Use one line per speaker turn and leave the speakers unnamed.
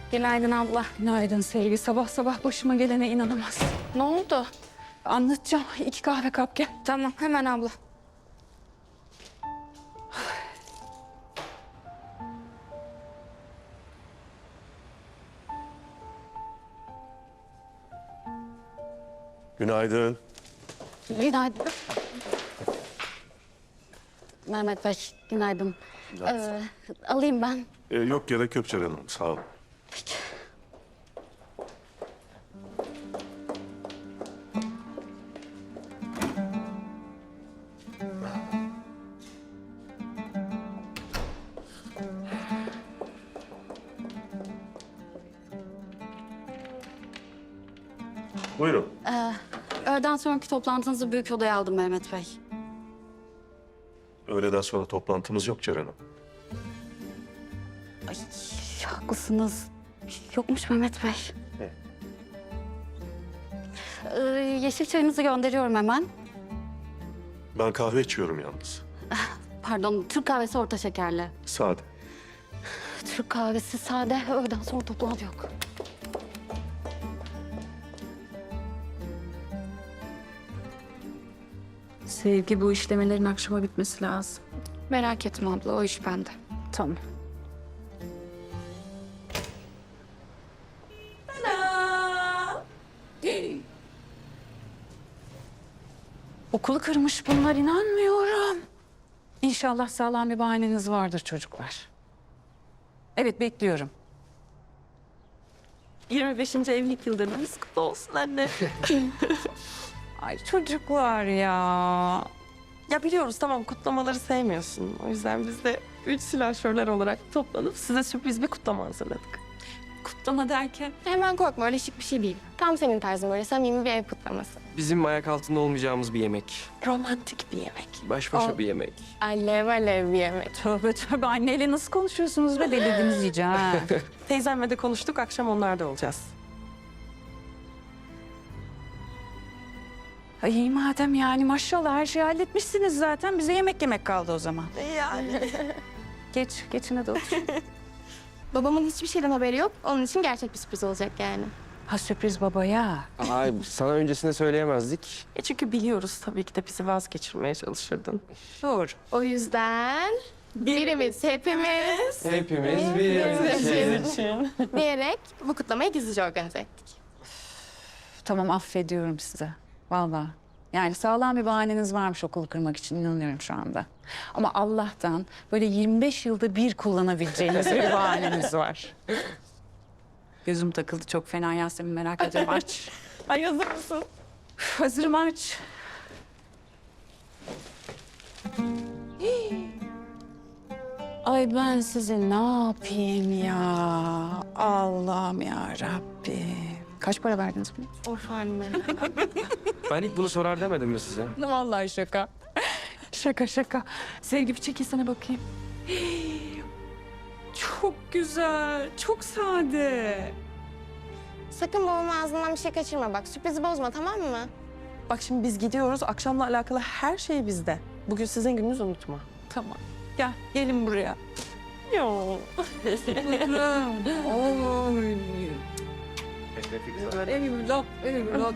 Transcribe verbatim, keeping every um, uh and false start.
Günaydın abla.
Günaydın Sevgi. Sabah sabah başıma gelene inanamaz.
Ne oldu?
Anlatacağım. İki kahve kap gel.
Tamam hemen abla.
Günaydın.
Günaydın. Mehmet Bey, günaydın. Ee, alayım ben.
Ee, yok gerek yok Ceren Hanım, sağ olun. Buyurun.
Ee, öğleden sonraki toplantınızı büyük odaya aldım Mehmet Bey.
Öğleden sonra toplantımız yok Ceren Hanım.
Ay, haklısınız. Yokmuş Mehmet Bey.
Ne?
Ee, yeşil çayınızı gönderiyorum hemen.
Ben kahve içiyorum yalnız.
Pardon, Türk kahvesi orta şekerli.
Sade.
Türk kahvesi sade, öğleden sonra toplantı yok.
Sevgi, bu işlemelerin akşama bitmesi lazım.
Merak etme abla, o iş bende.
Tamam. Okulu kırmış bunlar, inanmıyorum. İnşallah sağlam bir bahaneniz vardır çocuklar. Evet, bekliyorum.
yirmi beşinci evlilik yıldönümümüz kutlu olsun anne.
Ay çocuklar ya.
Ya biliyoruz tamam kutlamaları sevmiyorsun. O yüzden biz de üç silahşörler olarak toplanıp size sürpriz bir kutlama hazırladık.
Kutlama derken?
Hemen korkma, öyle şık bir şey değil. Tam senin tarzın, böyle samimi bir ev kutlaması.
Bizim ayak altında olmayacağımız bir yemek.
Romantik bir yemek.
Baş başa
Aa.
bir yemek.
Alev alev bir yemek.
Tövbe tövbe, anneyle nasıl konuşuyorsunuz be, delirdiğiniz iyice ha.
Teyzemle de konuştuk, akşam onlarda olacağız.
Ay iyi madem, yani maşallah her şeyi halletmişsiniz zaten. Bize yemek yemek kaldı o zaman.
Yani.
Geç, geçin hadi otur.
Babamın hiçbir şeyden haberi yok. Onun için gerçek bir sürpriz olacak yani.
Ha, sürpriz babaya.
Ay sana öncesinde söyleyemezdik.
E çünkü biliyoruz tabii ki de bizi vazgeçirmeye çalışırdın.
Doğru.
O yüzden birimiz hepimiz
Hepimiz bir
için diyerek bu kutlamayı gizlice organize ettik.
Tamam, affediyorum size. Vallahi. Yani sağlam bir bahaneniz varmış okulu kırmak için, inanıyorum şu anda. Ama Allah'tan böyle yirmi beş yılda bir kullanabileceğiniz bir bahaneniz var. Gözüm takıldı çok fena Yasemin, merak ediyorum. Aç.
Ay hazır mısın?
Üf, hazırım, aç. Ay ben size ne yapayım ya? Allah'ım ya Rabbim. Kaç para verdiniz buna?
Of anne.
Ben ilk bunu sorar demedim mi size?
Vallahi şaka. Şaka şaka. Sevgi, bir çekilsene bakayım. Çok güzel, çok sade.
Sakın babamın ağzından bir şey kaçırma bak. Sürprizi bozma, tamam mı?
Bak şimdi biz gidiyoruz, akşamla alakalı her şey bizde. Bugün sizin gününüz, unutma.
Tamam. Gel, gelin buraya.
Yo.
Oy. Evlat, evlat.